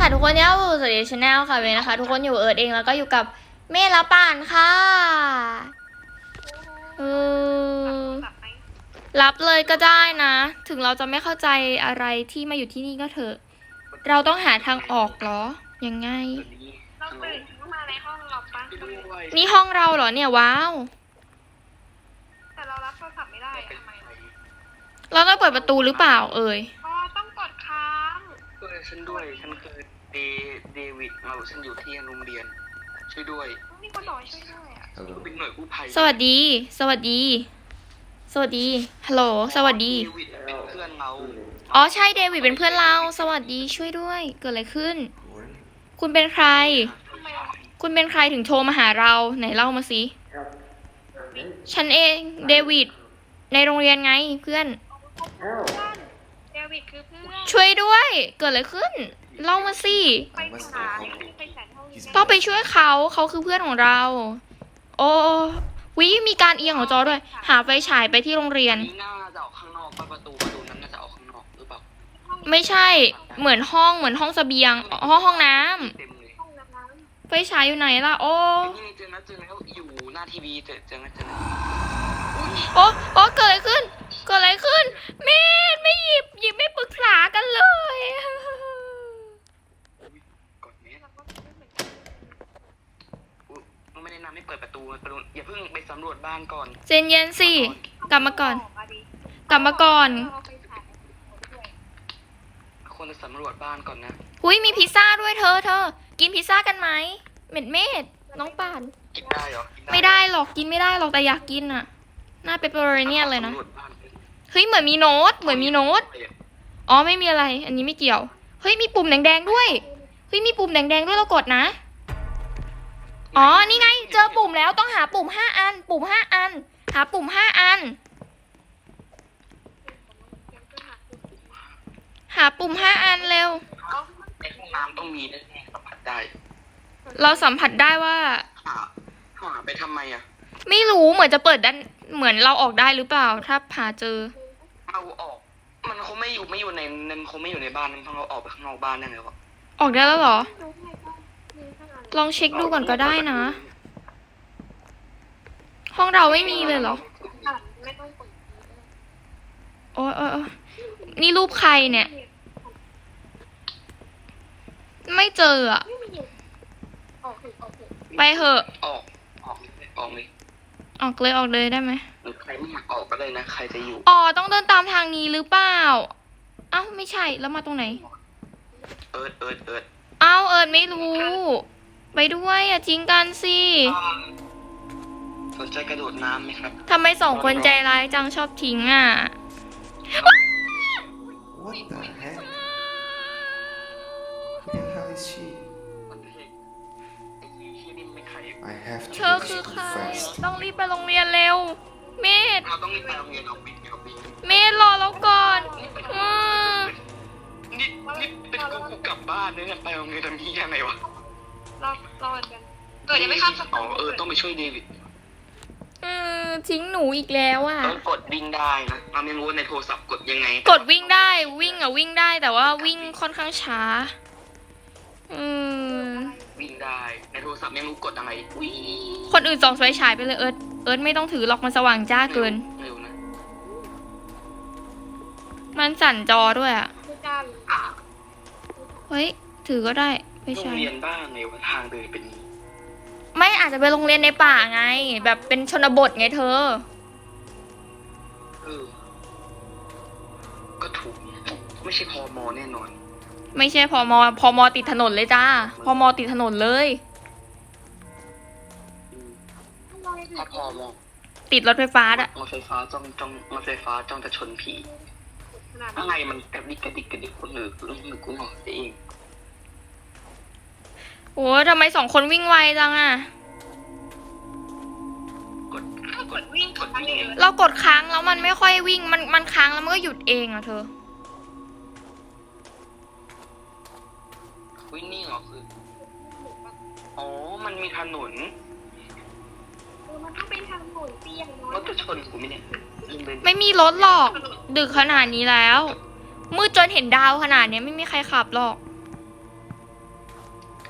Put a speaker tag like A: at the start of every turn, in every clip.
A: ทุกคนเนี่ยสวัสดีชาแนลค่ะเวยนะคะทุกคนอยู่เอิร์ดเองแล้วก็อยู่กับเมฆและป่านค่ะเออรับเลยก็ได้นะ ถึงเราจะไม่เข้าใจอะไรที่มาอยู่ที่นี่ก็เถอะเราต้องหาทางออกเหรอยังไง
B: เราตื่นขึ้นมาในห้องเราปะ
A: นี่ห้องเราเหรอเนี่ยว้าว
B: แต่เรารับโทรศัพท์ไม่ได้ทำไม
A: เราต้องเปิดประตูหรือเปล่าเอ่ย
B: อ๋อต้องกดค้าง
C: ฉันด้วยฉันคือเดวิดฉันอยู่ที่โรงเรียนช่วยด้วย
B: มีคนบอกช่วยด้วยอ่ะ
C: เป็นหน่วยกู้ภัย
A: สวัสดีสวัสดีสวัสดีฮัลโหลสวัสดี
C: เดวิดเป็นเพื่อนเรา
A: อ๋อใช่เดวิดเป็นเพื่อนเราสวัสดีช่วยด้วยเกิดอะไรขึ้นคุณเป็นใครคุณเป็นใครถึงโทรมาหาเราไหนเล่ามาสิฉันเองเดวิดในโรงเรียนไงเพื่อน
B: เดวิดคือเพื่อน
A: ช่วยด้วยเกิดอะไรขึ้นเล่ามาสิ
B: ไปหาไปแสนห้อง
A: ต้องไปช่วยเขาคือเพื่อนของเราโอ้วิมีการเอียงของจอด้วยหาไฟฉายไปที่โรงเรียน
C: นี่น่าจะออกข้างนอกประตูนั้นน่าจะออกข้างนอกหรือเปล่า
A: ไม่ใช่เหมือนห้องเสบียงห้องน้ำไฟฉายอยู่ไหนล่ะโอ้
C: เจอแล้วอยู่หน้าทีวีเจอแล้ว
A: โอ้เกิดอะไรขึ้นเมธไม่หยิบไม่ปรึกษากันเลย
C: ไม่แนะนำให้เปิดประตูอย่าเพิ่งไปสำรวจบ้านก่อน
A: เจนเย็นสิกลับมาก่อน
C: ควรจะสำรวจบ้านก่อนนะ
A: หุยมีพิซซ่าด้วยเธอกินพิซซ่ากันไหมเมธน้องป่าน
C: กินได้หรอ
A: ไม่ได้หรอกกินไม่ได้หรอกแต่อยากกินอ่ะหน้าเปปเปอโรนีเลยนะเฮ้ยเหมือนมีโน้ตอ๋อไม่มีอะไรอันนี้ไม่เกี่ยวเฮ้ยมีปุ่มแดงๆด้วยมีปุ่มแดงๆด้วยเรากดนะอ๋อนี่ไงเจอปุ่มแล้วต้องหาปุ่ม5 อันหาปุ่ม5 อันหาปุ่ม5 อันเร็ว
C: ในห้องน้ำต้องมีแน่ๆสัมผัสได้
A: เราสัมผัสได้ว่า
C: หาไปทำไมอ่ะ
A: ไม่รู้เหมือนจะเปิดด้านเหมือนเราออกได้หรือเปล่าถ้าหาเจอ
C: เอาออกมันคงไม่อยู่ในนั้นคงไม่อยู่ในบ้านมันต้องเราออกไปข้างนอกบ้านได้ไงวะ
A: ออกได้แล้วเหรอลองเช็คดูก่อนก็ได้นะห้องเราไม่มีเลยเหรอโอ้นี่รูปใครเนี่ยไม่เจออะไปเหอะ
C: อ
A: อกเลยได้ไหม
C: ใครไม่อยากออกก็เลยนะใครจะอยู่
A: อ๋อต้องเดินตามทางนี้หรือเปล่าเอ้าไม่ใช่แล้วมาตรงไหน
C: เอิร์ด
A: เอิร์ดไม่รู้ไปด้วยอ่ะจริงกันสิ
C: สนใจกระโดดน้ำไหมครับ
A: ทำไม2 คนใจร้ายจังชอบทิ้งอ่ะ
D: What the heck? Who the hell is she? I have
A: เธอ
D: to
A: คือ
D: reach
A: ใคร
D: fast.
A: ต้องรีบไปโรงเรียนเร็วเมธ
C: เราต้องรีบไปโรงเรียนเอาบิน
A: เมธรอแล้วก่อน
C: นี่เป็นกูกลับบ้านเนี่ยไปโรงเรียนทำที่ยังไงวะ
B: รอกันเกิดยังไม่ข้ามสะพาน
C: ต้องไปช่วยเดวิด
A: ทิ้งหนูอีกแล้วอ่ะ
C: ต้องกดวิ่งได้นะเราไม่รู้ว่าในโทรศัพท์กดยังไง
A: กดวิ่งได้วิ่งได้แต่ว่าวิ่งค่อนข้างช้า
C: วิ่งได้ในโทรศัพท์ไม่รู้กดอะไร
A: คนอื่นส่องไฟฉายไปเลยเอิร์ธไม่ต้องถือหรอกมันสว่างจ้าเกินมันสั่นจอด้วยอ่ะเฮ้ยถือก็ได้ไฟฉาย
C: โรงเรียนบ้านในว่าทางเดินเป็น
A: ไม่อาจจะไปโรงเรียนในป่าไงแบบเป็นชนบทไงเธอ
C: ก็ถูกไม่ใช่พม.แน่นอน
A: ไม่ใช่พม.ติดถนนเลยจ้าพม.ติดถนนเลย
C: ถ้าพม.
A: ติดรถไฟฟ้าอะ
C: รถไฟฟ้าจ้องจะชนผีอะไรมันกระดิกคนอื่นกูหงอกเอง
A: โอ้ทำไม2 คนวิ่งไวจังอ่ะ
C: กดวิ่ง
A: เรากดค้างแล้วมันไม่ค่อยวิ่งมันค้างแล้วมันก็หยุดเองอ่ะเธอ
C: วิ่งนี่เหรอคืออ๋อมันมีถนน
B: มันต้องเป็นถนนเตี้ย
C: รถจะชนกูไหมเนี่ย
A: ไม่มีรถหรอกดึกขนาดนี้แล้วมืดจนเห็นดาวขนาดนี้ไม่มีใครขับหรอก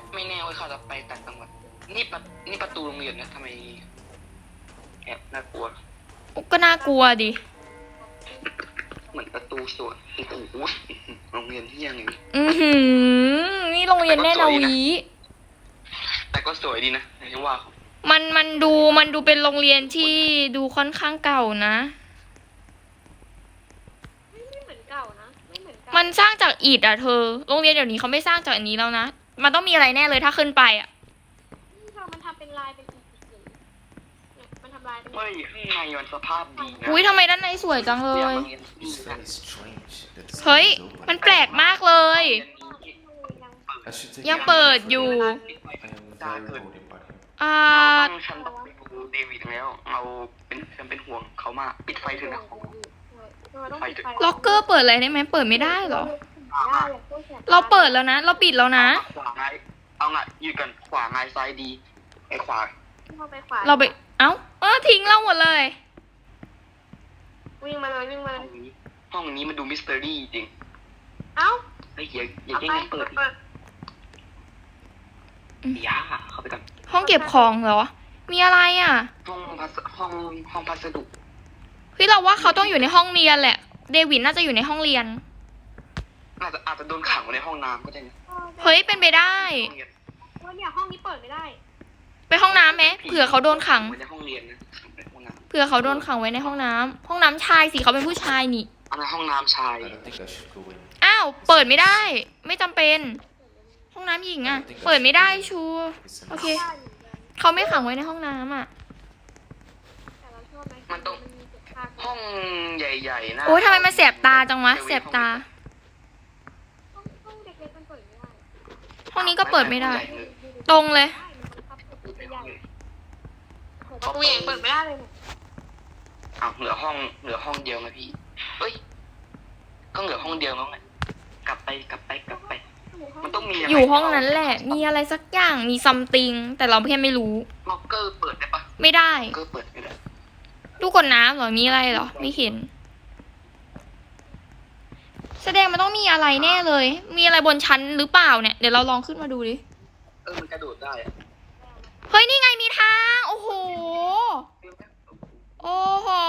C: ไม่แน่ว่าเขาจะไปต่างจังหวัดนี่ประตูโรงเรียนนะทำไมแอบน่ากลัว
A: ก็น่ากลัวดิ
C: เหมือนประตูสวนโอ้โหโรงเรียนที่ยังไง
A: นี่โรงเรียนแน่นาวี
C: แต่ก็สวยดีนะอย่างว่าเขา
A: มันดูเป็นโรงเรียนที่ดูค่อนข้างเก่านะ
B: ไม่เหมือนเก่านะไม่เหมือนเก่า
A: มันสร้างจากอิฐอ่ะเธอ โรงเรียนเดี๋ยวนี้เขาไม่สร้างจากอันนี้แล้วนะ มันต้องมีอะไรแน่เลยถ้าขึ้นไปอ่ะ
B: มันทำเป็นลายเป็นอีกเนี่ยมันทำลายเป็น
C: เฮ้ยข้างในมันสภาพดีนะ
A: อุ้ยทำไมด้านในสวยจังเลย
D: It's very strange that the
A: เฮ้ย
D: sun is open.
A: มันแปลกมากเลย
D: I should take
A: ยัง
D: a
A: เปิด
D: look.
A: อยู่
D: I am very worried about him.
C: ฉันต้องไปดูเดวิดแล้วฉันเป็นห่วงเขามากปิดไฟเถอะนะ
A: ล็อกเกอร์เปิดอะไรได้ไหมเปิดไม่ได้เหรอ
B: ได้เลยพวกแสบ
A: เราเปิดแล้วนะ เราปิดแล้วนะ
C: ขวาไงเอาไงยืดกันขวาไงซ้ายดีไอ้ขวา
B: เข้าไปขวา
A: เราไป เอ้าทิ้งเราหมดเลย
B: วิ่งมาเลยวิ่งมาเลย
C: ห้องนี้มันดูมิสเตอรี่จริง
B: เอ้า
C: ไอ้อย่า
B: เอา
C: แย่ง
B: ไป
C: กันเปิด
B: เปิด
C: อย่าเข้าไปกัน
A: ห้องเก็บของเหรอ มีอะไรอ่ะ
C: ห้องพัสดุ
A: เฮ้ยเราว่าเขาต้องอยู่ในห้องเรียนแหละ เดวิดน่าจะอยู่ในห้องเรียน
C: อาจจะโดนขังไว้ในห้องน้ำก็ได้นะ
A: เฮ้ยเป็นไปได้
C: ห้องเรียน
B: ว่าเนี่ยห้องนี้เปิดไม่ได้
A: ไปห้องน้ำไหมเผื่อเขาโดนขัง
C: ไว้ในห้องเรียนนะในห้องน้
A: เผื่อเขาโดนขังไว้ในห้องน้ำห้องน้ำชายสิเขาเป็นผู้ชายนี่
C: ำอันนั้นห้องน้ำชาย
D: I don't think I should go in.
A: อ้าวเปิดไม่ได้ ไม่จำเป็น ห้องน้ำหญิงอ่ะ เปิดไม่ได้ชู
D: It's
A: โอ
D: an
A: เค เขาไม่ขังไว้ในห้องน้ำอ่ะ
B: แต่เราชอบไหม
C: มันต้อง
B: มีเจ็ดภาค
C: ห้องใหญ่ๆนะ
A: โอ้ยทำไมมันแสบตาจังวะแสบตา
B: ห้องเด็กๆมันเปิดไม่ได้
A: ห้องนี้ก็เปิดไม่ได้ ตรงเลย
B: ประตูใหญ่เปิดไม่ได้เลยเนี่ย
C: อ้าวเหลือห้องเดียวไหมพี่เอ้ยก็เหลือห้องเดียวแล้วไงกลับไป มันต้องมีะไร
A: อยู่ห้องนั้นแหละ มีอะไรสักอย่าง มีซัมติง แต่เราแค่ไม่รู้
C: ล็อกเกอร์เปิดได้ปะ
A: ไม่ได้
C: ล็อกเกอร์เปิดไม่ได้
A: ลูกกดน้ำเหรอ มีอะไรเหรอ ไม่เห็น แสดงมันต้องมีอะไรแน่เลย มีอะไรบนชั้นหรือเปล่าเนี่ย เดี๋ยวเราลองขึ้นมาดูดิ
C: มันกระโดดได้อะ
A: เฮ้ย นี่ไงมีทาง โอ้โห โอ้โห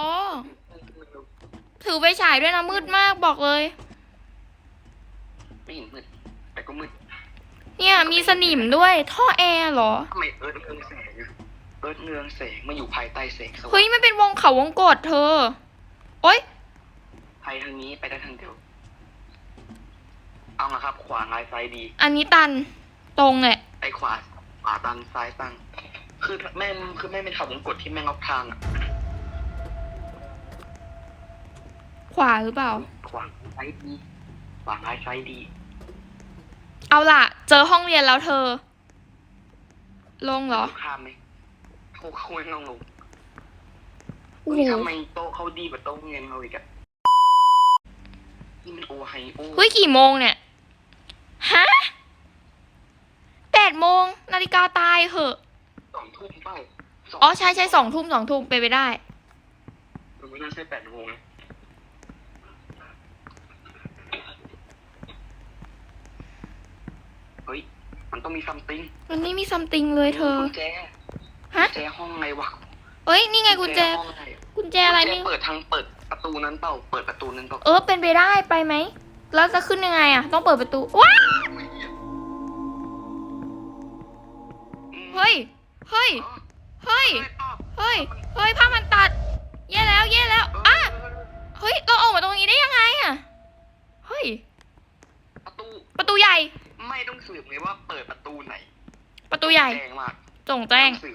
A: ถือไฟฉายด้วยนะมืดมากบอกเลย
C: ไม่เห็นมืดแต่ก็มืด
A: เนี่ยมีสนิมด้วย ท่อแอร์เหรอ
C: ทำไมเอิร์ธเรืองแสงมาอยู่ภายใต้แสงสว่าง
A: เฮ้ยมันเป็นวงเขาวงกตเธอ โอ๊ย
C: ไปทางนี้ไปได้ทางเดียวเอาละครับ ขวาไงซ้ายดี
A: อันนี้ตัน ตรงแหละ
C: ไอ้ขวาตันซ้ายตั้งคือแม่เป็นเขาวงกดที่แม่งล็อกทางอ่ะ
A: ขวาหรือเปล่า
C: ขวาซ้ายดีขวาซ้ายดี
A: เอาล่ะ เจอห้องเรียนแล้วเธอ ลงเหรอ
C: ข้ามไหมเขาไม่ต้องลง
A: โอ้โห
C: ทำไมโต๊ะเขาดีกว่าโต๊ะเงินเราอีกอะนี่มันโอไฮโอ
A: เฮ้ยกี่โมงเนี่ย ฮะ8 โมง นาฬิกาตายเหอะ
C: 2 ทุ่มเป้า
A: อ๋อใช่2 ทุ่มไปนไปได้
C: มันไม่น่าใช่8 โมงนะเฮ้ยมันต้องมีซัมติง
A: มันไม่มีซัมติงเลยเธอ
C: กุญแจ
A: ฮะ
C: กุญแจห้องไงวะ
A: เอ้ยนี่ไงกุญแจ
C: ห้องไหน
A: กุญแจอะไรไม่
C: เปิดประตูนั้นเปล่าเปิดประตูนั้นเปล่า
A: เป็นไปได้ไปไหม แล้วจะขึ้นยังไงอะต้องเปิดประตู ว้าวเฮ้ย เฮ้ย เฮ้ย เฮ้ย เฮ้ยผ้ามันตัด แย่แล้วอ่ะเฮ้ย เราออกมาตรงนี้ได้ยังไงอะเฮ้ย ประตูใหญ่
C: ไม่ต้องสืบเลยว่าเปิดประตูไหน
A: ประตูใหญ่
C: แจ้งมาก
A: จงแจ้ง
C: ไม่ต้องสืบ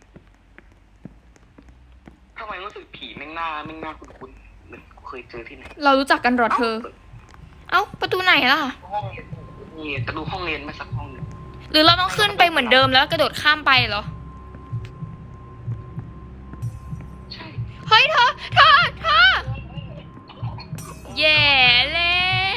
C: ทำไมรู้สึกผีแม่งหน้าคุ้นๆเหมือนกูเคยเจอที่ไหน
A: เรารู้จักกันเหรอเธอ เอ้า ประตูไหนล่ะ
C: ห้องเรียนนี่จะดูห้องเรียนมาสักห้องหนึ่ง
A: หรือเราต้องขึ้นไปเหมือนเดิมแล้วกระโดดข้ามไปเหรอ
C: ใช่
A: เฮ้ยเธอ แย่แล้ว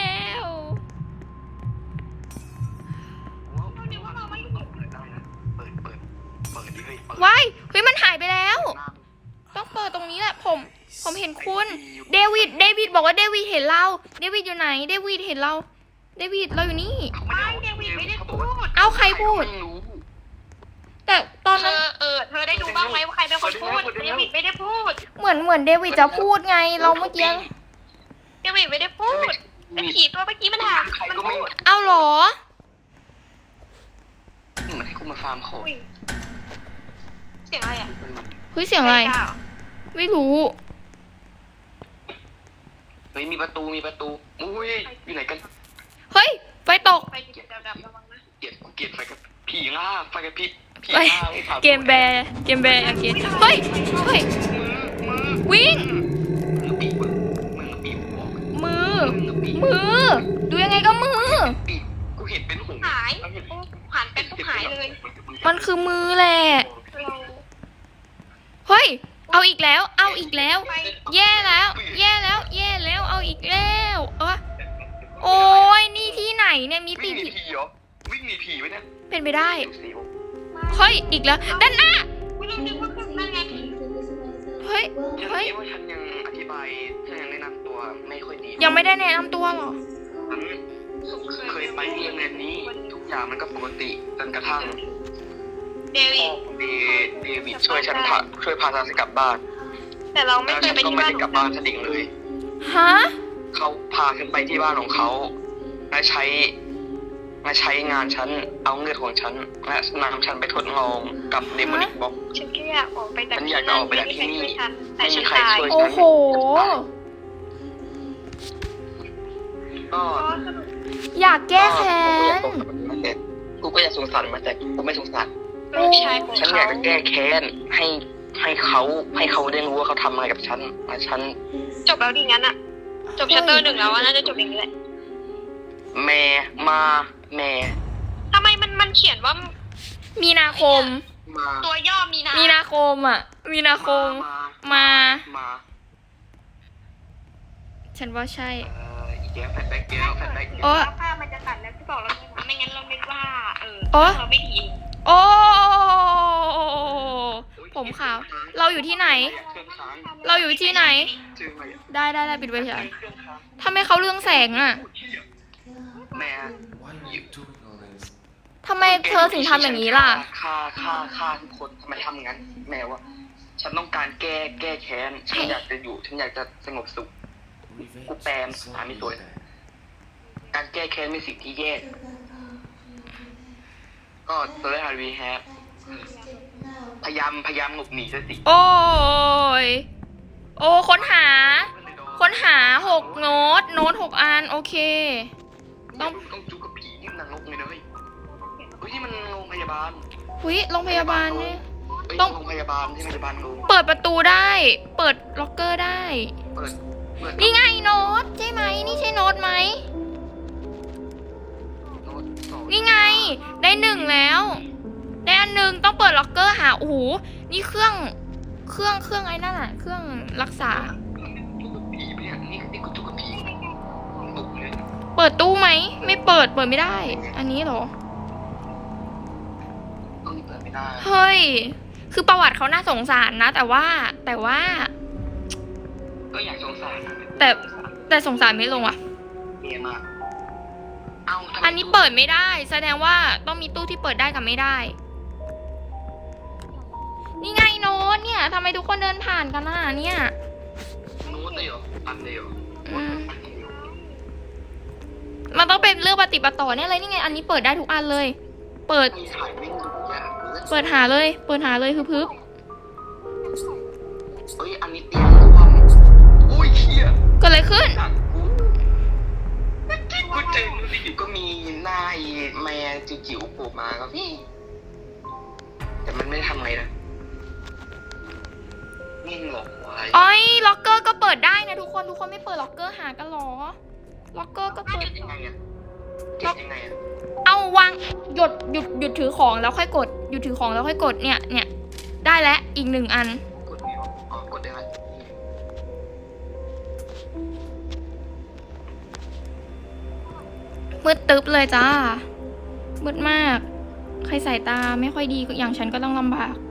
C: เดี๋ยวว่าเราไม่เปิดได้นะเปิดดิเฮ้ยเปิด
A: ว้ายเฮ้ยมันหายไปแล้ว ต้องเปิดตรงนี้แหละ ผมเห็นคุณ เดวิดบอกว่าเดวิดเห็นเรา เดวิดอยู่ไหน เดวิดเห็นเรา เดวิดเราอยู่นี่
C: เขาไม่ได้
B: เดวิดไม่ได้พูด
A: เอ้าเอาใครพูด
C: ไม่รู้
A: แต่ตอน
B: เธ
A: นั้น
B: อเธอได้ดูบ้างไหมว่าใครเป็นคนพูดเดวิดไม่ได้พูด
A: เหมือนเดวิดจะพูดไง เราเมื่อกี้
B: เดวิดไม่ได้พูดไอ้ผีตัวเมื่อกี้มันถาม
C: ใคร
B: มัน
C: ก็ไม่
B: พูด
A: เอาเหรอ
C: เหมือนให้กูมาฟาร์มของ
B: อุ้ยเสียงอะไรอ่ะ
A: เฮ้ยเสียงอะไร
B: ม่กล้าเห
A: ไม่รู้
C: เฮ้ยมีประตูอุ้ยอยู่ไหนกัน
A: เฮ้ย ไฟตก
B: ไปจุดดำๆระวังนะ
C: เกลียดไฟกับผีง่าไฟกับพิษผี
A: เฮ้ย
C: ง่าไอ้ผ่า
A: เกมแบร์อย่างเงี้ยเฮ้ย เฮ้ย วิ่ง
C: มือปีกมือปีกบอก
A: มือ มือ ดูยังไงก็มือ
C: ปีกกูเห็นเป็นหง
B: หายโอ้หันเป็นปุ๊บหายเลย
A: มันคือมือแหละ
B: เรา
A: เฮ้ย เอาอีกแล้ว เอาอีกแล้ว
B: ไป
A: แย่แล้ว แย่แล้ว แย่แล้ว เอาอีกแล้วโอ้ยนี่ที่ไหนเนี่ย มีตี
C: วิ่งหนี
A: ผี
C: ผีเหรอวิ่งหนีผีไว้เนี่ย
A: เป็นไปได้
C: เสียว
A: เฮ้ย อีกแล้ว ด้านหน้า
B: ไม่รู้นึกว่าคือนั่นไง
A: เฮ้ย
C: ฉัน
A: เฮ้ย
C: คิดว่าฉันยังอธิบายฉันยังแนะนำตัวไม่ค่อยดี
A: ยังไม่ได้แนะนำตัวหรอ
C: ฉันเคยไปโรงเรียนนี้ทุกอย่างมันก็ปกติจนกระทั่ง
B: เดวิ
C: พ่อ
B: ด
C: ของเดวิดช่วยฉันช่วยพาฉันกลับบ้าน
B: แต่เราไม่
C: แล้ว
B: เค
C: ฉั
B: ย
C: น
B: ไป
C: ก็
B: ที่
C: ไม่
B: บ้าน
C: ได้กลับบ้านฉันเองเลย
A: ฮะ
C: เขาพาฉันไปที่บ้านของเขาและใช้งานฉันเอาเงินของฉันและนำฉันไปทดลองกับเดมอนิกบ็อก
B: ฉันแค่อยากออกไปจาก
C: ฉันอยากจะออกไปจากที่นี่
B: แต่
C: ไม่มี
B: ฉัน
C: ใคร
B: ตาย
C: ช่วย
A: โอ้โห
C: ก็
A: อยากแก้แค้น
C: กูก็อยากสงสารมาแต่กูไม่สงสาร
B: ลูกชายของ
C: ฉันอ
B: เขา
C: ยากจะแก้แค้นให้เขาได้รู้ว่าเขาทำอะไรกับฉันและฉัน
B: จบแล้วดีงั้นอะจบชัตเตอร์หนึ่งแล้วอะน่าจะจบอย่างนี้แหละ
C: แม่
B: ทำไมมันเขียนว่า
A: มีนาคม
C: มา
B: ตัวย่อมีนา
A: มีนาคมอ่ะ มีนาคม มา
C: มา
A: ฉันว่าใช่
C: อีกแล้วแฟนแบ็กเดียวแฟนแบ็กเดียว
A: โอ้
B: ภาพมันจะตัดแล้วที่บอกเราไม่งั้นเราไม่ว่า
A: โอ้
B: เราไม่ดี
A: โอ้ ผมขาว เราอยู่ที่ไหน
C: เครื่องค้าง
A: เราอยู่ที่ไหน
C: เจออะไรอะ
A: ได้ปิดไว้เฉย
C: เครื่องค้าง
A: ทำไมเขาเรื่องแสงอ่ะ
C: แม่
D: Why are you doing all this?
A: ทำไมเธอถึงทำอย่างนี้ล่ะ
C: ฆ่าทุกคนทำไมทำงั้น แม่ว่า ฉันต้องการแก้แค้น ฉันอยากจะสงบสุข
D: Revenge is
C: I'm
D: always
C: doing
D: bad.
C: การแก้แค้นเป็นสิ่งที่แย่ ก็ตอนแรกวีแฮปพยายามหลบหนีซะสิ
A: โอ้ย โอ้ ค้นหา 6 โน้ต 6 อัน โอเค
C: ต้องจูกับผีนี่มันนรกเลยนะเฮ้ยนี่มันโรงพยาบาล
A: หุยโรงพยาบาลเนี่ย ต้
C: ต้
A: อ
C: อง งโรงพยาบาลที่พยาบาลโรง
A: เปิดประตูได้ เปิดล็อกเกอร์ได้
C: เปิด
A: นี่ไงโน้ตใช่ไหม นี่ใช่โน้ตไหม
C: โน้ตสอง
A: นี่ไง ได้ 1 แล้ว ได้อันหนึ่งต้องเปิดล็อกเกอร์หา โอ้โห นี่เครื่องไอ้นั่นอะเครื่องรักษา
C: จูกับผีปะเนี่ยนี่กูจูกับผีตกเลย
A: เปิดตู้ไหม ไม่เปิดไม่ได้ อันนี้เหรอ
C: ต้องเปิดไม่ได้
A: เฮ้ย คือประวัติเขาน่าสงสารนะ แต่ว่า
C: ก็อยากสงสารนะ
A: แต่สงสารไม่ลงอ่ะ
C: เมียมากเอาทำไม
A: อันนี้เปิดไม่ได้ แสดงว่าต้องมีตู้ที่เปิดได้กับไม่ได้ นี่ไงโน้ตเนี่ยทำไมทุกคนเดินผ่านกันล่ะเนี่ย
C: โน้ตเลยเหรออันเดียว
A: อืม มันต้องเป็นเรื่องปฏิบัติต่อเนี่ยเลยนี่ไง อันนี้เปิดได้ทุกอันเลย เปิด
C: มีถ่ายไม่ถูกยากเลย
A: เปิดหาเลยคือพึบ
C: เฮ้ยอันนี้เตียงรวมอุ้ยเชี่ย
A: เกิดอะไรขึ้น
C: จากกูเจอมันอยู่ก็มีหน้าไอ้แม่จิ๋วๆโผล่มาครับพี่แต่มันไม่ได้ทำอะไรนะนิ่งหรอกวาย
A: อ้อยล็อกเกอร์ก็เปิดได้นะทุกคนไม่เปิดล็อกเกอร์หากันหรอ ล็อกเกอร์ก็เปิด
C: ยังไงอะยังไงอะ
A: เอาวางหยุดถือของแล้วค่อยกดหยุดถือของแล้วค่อยกดเนี่ยได้แล้วอีก1 อัน
C: กดไม่ออกอ๋อกดได้ไหม
A: มืดตึ๊บเลยจ้ามืดมาก ใครสายตาไม่ค่อยดีอย่างฉันก็ต้องลำบาก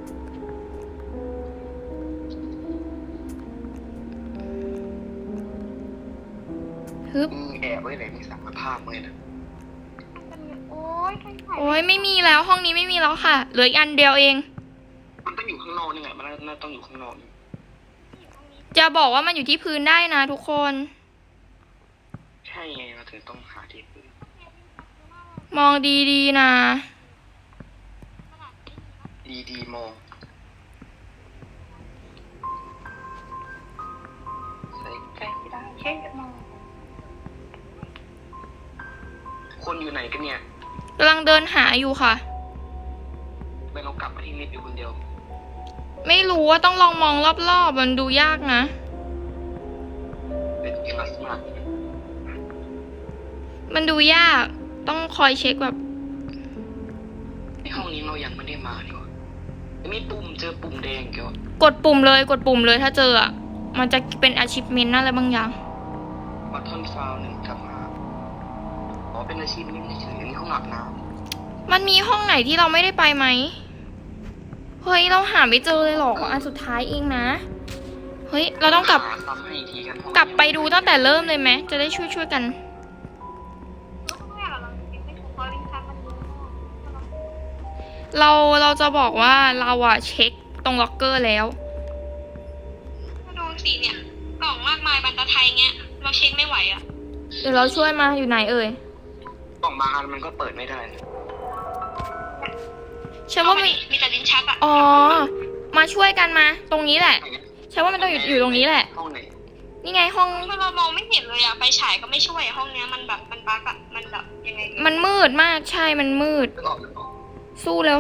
A: ฮึบ
C: แอบไว้ไหนมีสารภาพเลยนะ
B: โอ้ยใครถ่าย
A: โอ้ยไม่มีแล้วห้องนี้ไม่มีแล้วค่ะ เหลืออีกอันเดียวเอง
C: มันต้องอยู่ข้างนอกนี่ไงมันน่าต้องอยู่ข้างนอกนี่
A: จะบอกว่ามันอยู่ที่พื้นได้นะทุกคน
C: ใช่ไงเราถึงต้องหาที่พื้น
A: มองดีๆนะ
C: ดีๆมองใส่ใกล้ไม่ได้แค่มองคนอยู่ไหนกันเนี่ย
A: กำลังเดินหาอยู่ค่ะ
C: ไม่เรากลับมาที่ลิฟต์อยู่คนเดียว
A: ไม่รู้ว่าต้องลองมองรอบๆมันดูยากนะ
C: เป็นคลาสมาร์
A: มันดูยาก ต้องคอยเช็คแบบ
C: ในห้องนี้เรายังไม่ได้มาดีกว่ามีปุ่มเจอปุ่มแดงเกี่ยว
A: กดปุ่มเลยกดปุ่มเลยถ้าเจออ่ะ มันจะเป็น achievement อะไรบางอย่าง
C: บัตทอนฟาวหนึ่งกลับมาอ๋อเป็นอาชีพนี้ไม่เฉยๆนี่ห้องอาบน้
A: มันมีห้องไหนที่เราไม่ได้ไปไหม เฮ้ยเราหาไม่เจอเลยหรอกอันสุดท้ายเองนะ เฮ้ยเรา
C: ำ
A: ต้องกลับ
C: หาซ้ำให้อีกทีกันห้อง
A: กลับไปดูตั้งแต่เริ่มเลยไหม จะได้ช่วยกัน
B: ก็ต้องแรกเราเก็บไม่ถูกเพราะลิ้นชักมันเยอะมาก
A: เราจะบอกว่าเราอะเช็คตรงล็อกเกอร์แล้ว
B: ถ้าดูสีเนี่ยกล่องมากมายบรรทัดไทยเงี้ยเราเช็คไม่ไหวอ่ะ
A: เดี๋ยวเราช่วยมาอยู่ไหนเอ่ย
C: กล่องบางอันมันก็เปิดไม่ได้นะ
A: ฉันว่ามัน
B: มีแต่ลิ้นชักอ่ะ
A: อ๋อ มาช่วยกันมา ตรงนี้แหละ ฉันว่ามันต้องอยู่ตรงนี้แหละ
C: ห้องไหน
A: นี่ไงห้อง
B: ถ้าเรามองไม่เห็นเลยอ่ะไฟฉายก็ไม่ช่วยอะห้องเนี้ยมันแบบมันบั๊กอ่ะมันแบบยังไงดี
A: มันมืดมาก ใช่ มันมืด
C: นึกออกนึกออก
A: สู้แล้ว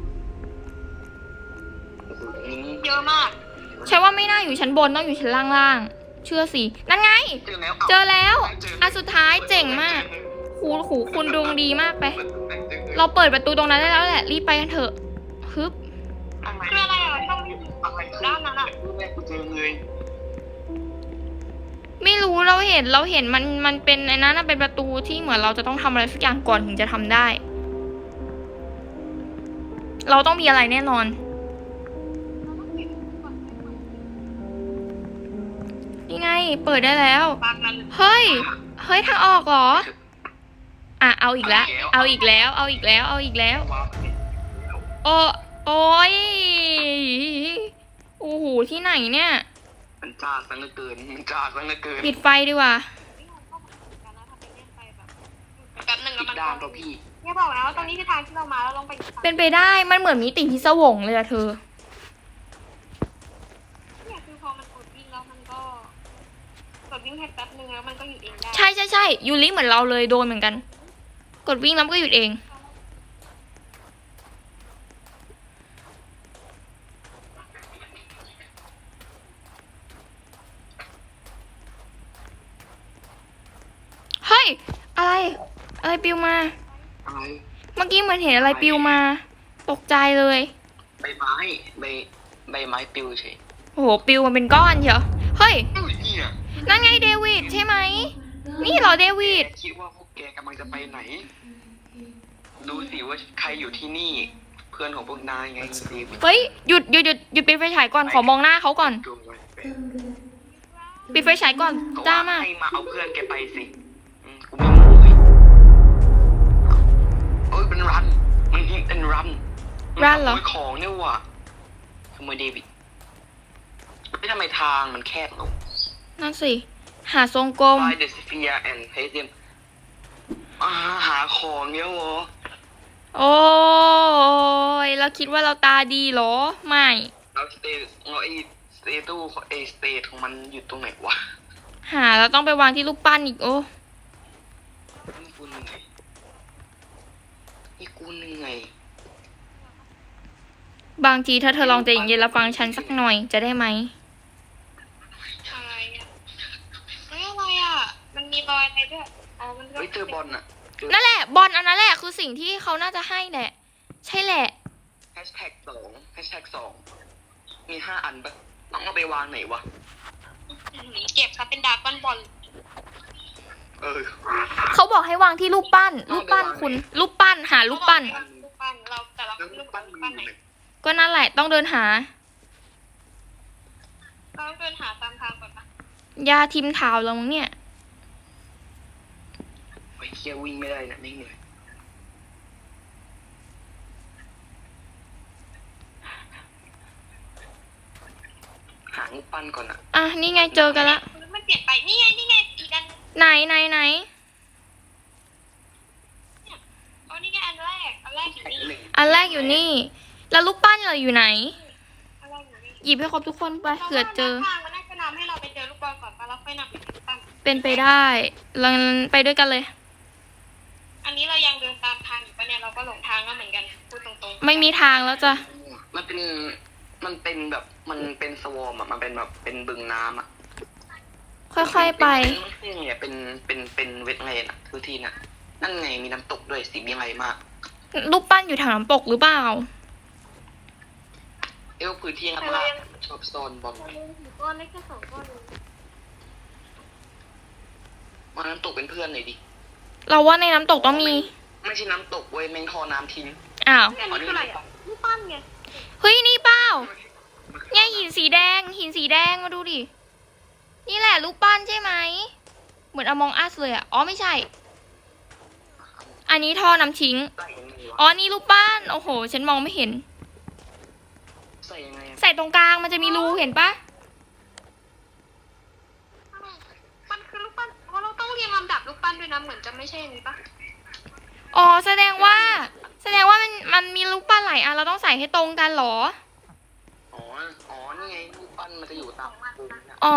C: โอ้โหนี่
B: เยอะมาก
A: ฉันว่าไม่น่าอยู่ชั้นบนต้องอยู่ชั้นล่างๆ เชื่อสิ นั่นไง
C: เจอแล้ว
A: เจอแล้วอันสุดท้ายเจ๋งมากหูคุณดวงดีมากไป เราเปิดประตูตรงนั้นได้แล้วแหละ รีบไปกันเถอะฮึบ
B: คืออะไรอ่ะช่องที่
C: อะไรคือ
B: ด้านนั้นอ่ะ
C: แม่กูเจอเลย
A: ไม่รู้เราเห็นมันเป็นไอ้นั้นนะเป็นประตูที่เหมือนเราจะต้องทำอะไรสักอย่างก่อนถึงจะทำได้ เราต้องมีอะไรแน่นอน นี่ไง เปิดได้แล้ว
B: บั๊กนั้น
A: เฮ้ยทางออกเหรอ อ่ะเอาอีกแล้ว เอาอีกแล้ว เอาอีกแล้ว เอาอีกแล้ว
C: ว้าว
A: โอ้ยโอ้โหที่ไหนเนี่ย
C: มันจ้าสังเกินมันจ้าสังเกิน
A: ปิดไฟดีกว่า
B: แป๊บนึง
C: อี
B: แล้ว
C: ก
B: มัน
C: ด้านตัวพี่
B: เนี่ยบอกแล้วว่าตอนนี้คือทางที่เรามาแล้วลงไปอีกทาง
A: เป็นไปได้ มันเหมือนมีติ่งพิศวงเลยอะเธอ
B: เนี่ยคือพอมันกดวิ่งแล้วมันก็กดวิ่งแค่แป๊บนึงแล้วมันก็หยุดเองได้
A: ใช่ยูริเหมือนเราเลยโดนเหมือนกัน กดวิ่งแล้วมันก็หยุดเอง เฮ้ย อะไรปลิวมา
C: อะไร
A: เมื่อกี้เหมือนเห็นอะไรปลิวมา ตกใจเลย
C: ใบไม้ใบไม้ปลิวเฉย
A: โอ้โหปลิวมาเป็นก้อนเชียวเฮ้ย
C: เอ้ยเนี่ย
A: นั่นไงเดวิดใช่ไหม นี่เหรอเดวิด
C: คิดว่าพวกแกกำลังจะไปไหน ดูสิว่าใครอยู่ที่นี่ เพื่อนของพวกนายไงสิ
A: เฮ้ยหยุดปิดไฟฉายก่อนขอมองหน้าเขาก่อน
C: ดูไว้
A: ปิดไฟฉายก่อน
C: ก็
A: จ้า
C: ว่า
A: มา
C: ให้มาเอาเพื่อนแกไปสิกูไม่รู้เลยเอ้ยเป็นรัน มันยิงเป็นรัน
A: รันเหรอ
C: ขโมยของเนี่ยว่ะขโมยเดวิดไม่ทำไมทางมันแคบลง
A: นั่นสิ หาทรงกลม
C: Find the sphere and place them หาของเนี่ยเหรอ
A: โอ้ยเราคิดว่าเราตาดีเหรอ ไม่
C: แล้วสเตตู้สเตทของมันอยู่ตรงไหนวะ
A: หาเราต้องไปวางที่รูปปั้นอีกโอ้
C: นี่กูเหนื่อยนี่กูเหนื่อย
A: บางทีถ้าเธอลองใจเย็นๆแล้วฟังฉันสักหน่อยจะได้ไหม
B: อะไรอ่ะเฮ้ยอะไรอ่ะ มันมีรอยอะไรด้วยอ๋อมันก็
C: เฮ้ยเจอบอลอะ
A: นั่นแหละ บอลอันนั้นแหละคือสิ่งที่เขาน่าจะให้แหละ ใช่แหละ
C: แฮชแท็กสองมี5 อันปะต้องเอาไปวางไหนวะ
B: เก็บครับเป็นดราก้อนบอล
A: เขาบอกให้วางที่รูปปั้น รูปปั้นคุณ รูปปั้นหารูปปั้น
B: รูปปั้นเราแต่เรา
C: แล้ว
B: รู
C: รู
B: ป
C: ป
B: ปั้
C: ปั้
B: น
C: น
B: รูป
C: มั
B: ปั้
C: น
B: น
C: อ
B: ไหน
C: ยู่ไหน
A: ก็นั่นแหละต้องเดินหา
B: เราต้องเดินหาตามทางก่อนปะ
A: ยาทิมเท้าเรามั้งเนี่ย
C: ไอ้เคียวิ่งไม่ได้นะไม่เหนื่อยปั้นก่อนอะ
A: อ่ะนี่ไงเจอกันละ
B: มันเปลี่ยนไปนี่ไงอีกอัน
A: ไหนไหน
B: อ๋อนี่ไงอันแรกอยู่นี่
C: หนึ่ง
A: อันแรกอยู่นี่ แล้วลูกปั้นเราอยู่ไหน
B: อันแรกอยู่นี่
A: หยิบให้ครบทุกคนไปเผื่อเจอ
B: ทางมันน่าจะนำให้เราไปเจอลูกบอลก่อนปะแล้วค่อยนำไปที่ตั้ง
A: เป็นไปได้เราไปด้วยกันเลย
B: อันนี้เรายังเดินตามทางอยู่ปะเนี่ยเราก็หลงทางแล้วเหมือนกันพูดตรงๆ
A: ไม่มีทางแล้วจ้ะ
C: มันเป็นแบบมันเป็นสวอมอะมันเป็นแบบเป็นบึงน้ำอะ
A: ค่อยๆไป
C: ไม่ใช่ไงเป็นเวทไงน่ะคือที่น่ะนั่นไงมีน้ำตกด้วยสีใหญ่มาก
A: ลูกปั้นอยู่แถวน้ำตกหรือเปล่า
C: พื้นที่น้ำลาดชอบโซนบอล
B: ก้อนเล็กแค่2ก้อนเอง
C: มาน้ำตกเป็นเพื่อนหน่อยดิ
A: เราว่าในน้ำตกต้องมี
C: ไม่ใช่น้ำตกเว้ยแมงทอน้ำทิ้ง
A: อ้าว
B: อันนี้คืออะไรอ่ะลูกปั้นไง
A: เฮ้ยนี่เปล่าเนี่ยหินสีแดงมาดูดิ นี่แหละลูกปั้นใช่ไหม เหมือนอมองอัสเลยอ่ะ อ๋อไม่ใช่ อันนี้ท่อน้ำทิ้ง
C: ใส่ยังไงวะ
A: อ๋อนี่ลูกปั้น โอ้โห ฉันมองไม่เห็น
C: ใส่ยังไงอะ
A: ใส่ตรงกลางมันจะมีรูเห็นปะ
B: มันคือลูกปั้นเพราะเราต้องเรียงลำดับลูกปั้นด้วยนะเหมือนจะไม่ใช่อันนี้ปะ
A: อ๋อแสดงว่ามันมีลูกปั้นหลายอันเราต้องใส่ให้ตรงกันเหรอ
C: อ๋อนี่ไงรูปปั้นมันจะอยู่ตามมุมเนี่ย
A: อ๋อ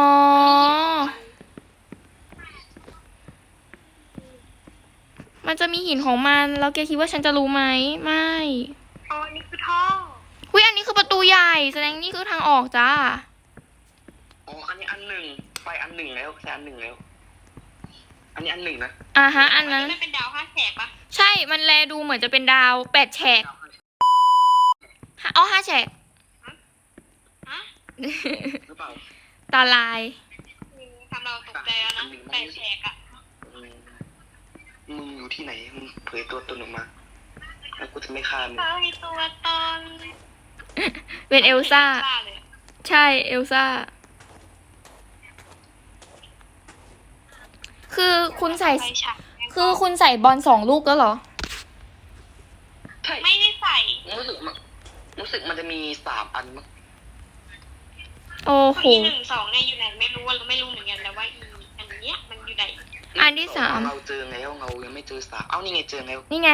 A: มันจะมีหินของมัน แล้วแกคิดว่าฉันจะรู้ไหม ไม่
B: อ๋ออันนี้คือท่อ
A: หุยอันนี้คือประตูใหญ่ แสดงนี่คือทางออกจ้า
C: อ๋ออันนี้อันหนึ่งไปอันหนึ่งแล้วใช่อันหนึ่งแล้ว อันนี้อันหนึ่งนะ
A: อ่าฮะ อันนั้น
B: มันเป็นดาว5 แฉกปะ
A: ใช่ มันแลดูเหมือนจะเป็นดาว8 แฉกอ๋อ5 แฉก
B: ฮะ
C: หรือเปล่า
A: ตาลาย
B: ทำเราตกใจแล้วนะ8 แฉกอะ
C: มึงอยู่ที่ไหนมึงเผยตัวตนออกมาแล้วกูจะไม่ฆ่ามึง
B: เขามีตัวตน
A: เป็นเอลซ่า
B: เลย
A: ใช่เอลซ่า คือคุณใส่
B: ไฟฉาย
A: คือคุณใส่บอล2 ลูกแล้วเหรอ
C: ใช่
B: ไม่ได้ใส่
C: รู้สึกมันจะมี3 อันมั้ง
A: โอ้โห
B: อี1 2เนี่ยอยู่ไหนไม่รู้เราไม่รู้เหมือนกันแต่ว่าอีอันเนี้ยมันอยู่ไหน
A: อันที่สาม
C: เราเจอแล้วเรายังไม่เจอ3เอ้านี่ไงเจอแล้ว
A: นี่ไง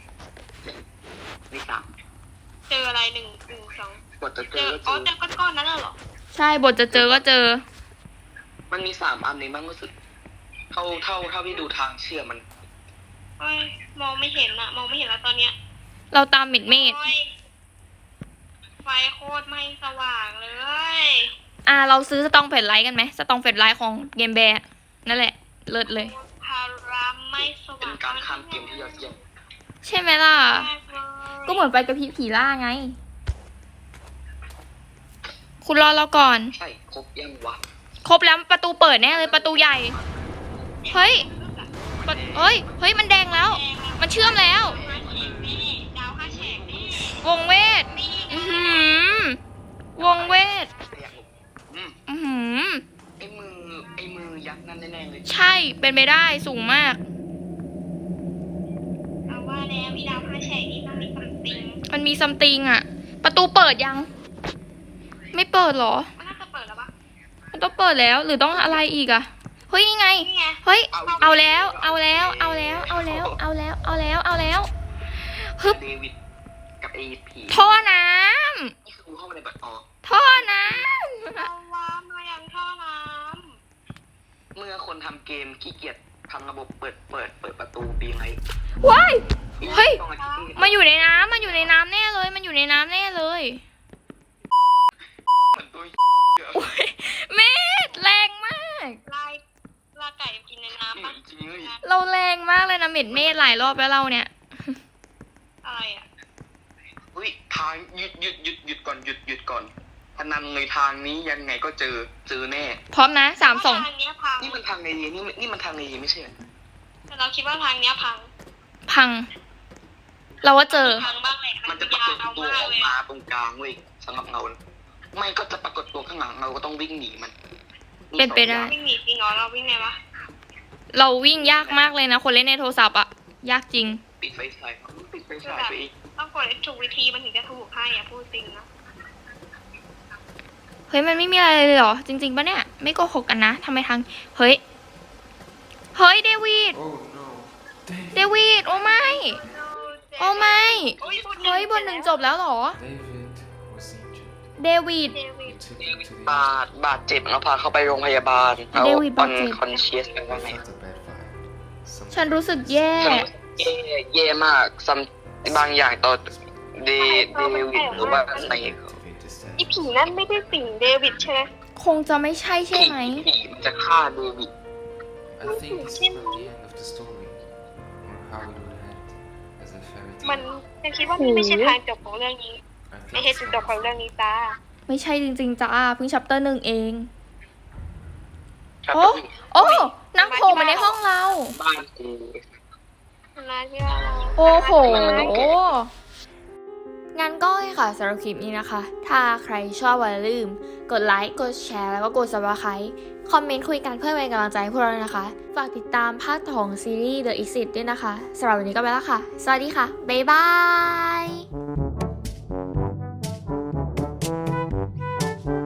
C: นี่3
B: เจออะไร1 2
C: กดจะเจ
B: เจ
C: อ
B: อ
C: ก็
B: อ๋อ
C: เจ
B: เจ
C: อ
B: อก้อนๆนั้นน่ะเหรอ
A: ใช่บทจะเจอก็เจอ
C: มันมี3 อันเองบ้างรู้สึกเท่าที่ดูทางเชื่อมัน
B: เฮ้ยมองไม่เห็นอะมองไม่เห็นแล้วตอนเนี้ย
A: เราตามเม็ดเมฆ
B: โอ้ยไฟโคตรไม่สว่างเลย
A: เราซื้อสตองแฟลชไลท์กันไหมสตองแฟลชไลท์ของเกมแบร์นั่นแหละ เลิศเลย
B: พารามไม่ส
C: เป็
B: ว่าน ง
C: การข้ามเกมที่ยอดเยี่ยม
A: ใช่ไหมล่ะ
B: มากเลย
A: ก็เหมือนไปกับผีล่าไง คุณรอเราก่อน
C: ใช่ครบยังวะ
A: ครบแล้วประตูเปิดแน่เลยประตูใหญ่ เฮ้ยเฮ้ย มันแดงแล้ว มันเชื่อมแล้ว
B: ดาว5 แฉกนี่
A: วงเวท อื้อหือวงเวท
C: อยากหลบ
A: อื้อหือ
C: ไอ้มือยักษ์นั่นแน่ๆเลย
A: ใช่ เป็นไปได้สูงมาก
B: เอาว่าแล้วมีดาว5 แฉกนี่ต้องมีซัมติง
A: มันมีซัมติงอะประตูเปิดยัง ไม่เปิดเหรอ
B: มันน่าจะเปิดแล้วปะ
A: มันต้องเปิดแล้ว หรือต้องอะไรอีกอะเฮ้ย นี่ไง
B: นี่ไง
A: เฮ้ย เอาแล้ว ฮึบ
C: เดวิดกับไอ้ผี
A: ท่อน้
C: นี่คือกูเข้ามาในบัตรออก
A: ำ ท่อน้
B: เอาว่ามายังท่อน้
C: เมื่อคนทำเกมขี้เกียจทำระบบเปิดประตูปีไง
A: ำว้าย เฮ้ย
C: ต้องอาทิตย์นี้
A: มันอยู่ในน้ำ มันอยู่ในน้ำแน่เลย มันอยู่ในน้ำแน่เลย
C: เหมือนตัวเยอะ
A: โอ้ยเมธแรงมาก
B: ำลาไก่กินในน้ำปะ
C: จริงเลย
A: เราแรงมากเลยนะเมธหลายรอบแล้วเราเนี่ย
B: อะไรอ่ะ
C: อุ้ยทางหยุดก่อนพนันเลยทางนี้ยังไงก็เจอแน่
A: พร้อมนะ3 2
B: ทางเนี้ยพัง
C: นี่มันทางในนี่มันทางในไม่ใช่เหรอ
B: แต่เราคิดว่าทางเนี้ยพัง
A: พัง เราว่าเจอ
B: พังบ้างแหละ
C: มันจะปรากฏตัวออกมาตรงกลางเว้ยสำหรับเงาไม่ก็จะปรากฏตัวข้างหลังเราก็ต้องวิ่งหนีมัน
A: เป็นไปได้
B: วิ่งหนีจริงเหรอเราวิ่งไงวะ
A: เราวิ่งยากมากเลยนะ คนเล่นในโทรศัพท์อะยากจริง
C: ปิดไฟฉายไปอีก
B: ต้องกดถูกวิธีมันถึงจะถูกให้อ่ะพูดจริงนะ
A: เฮ้ยมันไม่มีอะไรเลยเหรอ จริงๆปะเนี่ย ไม่โกหกกันนะทำไมทาง เฮ้ย เฮ้ย เดวิด
D: Oh no. David.
A: เดวิด โอ้ไม่ โอ้ไม่
B: โอ้ย
A: เฮ้ยบทหนึ่งจบแล้วเหรอ
D: David was injured.
A: เดวิด
B: เดวิด
D: We took him to the
C: บาดเจ็บแล้วพาเขาไปโรงพยาบาลเอา
A: เดวิดบาดเจ็บ
C: คอนเชียสกันว่า
D: I
C: ไง
D: felt a bad vibe. Some
A: ฉันรู้สึกแย่
C: แย่มากซัมบางอย่างต่อเดวิดหรือว่าอะไร
D: activate the
B: อี
D: statue.
B: ผีนั่นไม่ได้สิงเดวิดใช่ไหม
A: คงจะไม่ใช่ใช่ไหม
C: ผีมันจะฆ่าเดวิด
D: I think this is not the end of the story, or how it would end as a fairy
B: มัน
D: tale.
B: ฉันคิดว่านี่ไม่ใช่ทางจบของเรื่องนี้
D: I
B: ไม่
D: think
B: ใช่
D: it's
B: จุดจบของเรื่องนี้จ้า
A: ไม่ใช่จริงๆจ้าเพิ่งชัปเตอร์หนึ่งเอง
C: ครับ
A: โอ้ โอ้นั่งโผล่มาในห้องเรา
C: บ้านกู
B: นะที่เรา
A: โอ้โห
C: มันเก๋
A: งั้นก็ค่ะสำหรับคลิปนี้นะคะ ถ้าใครชอบอย่าลืม กดไลค์ กดแชร์ แล้วก็กด Subscribe คอมเมนต์คุยกันเพื่อเป็นกำลังใจให้พวกเราด้วยนะคะ ฝากติดตามภาคต่อของซีรีส์ The Exit ด้วยนะคะสำหรับวันนี้ก็ไปแล้วค่ะ สวัสดีค่ะ บ๊ายบาย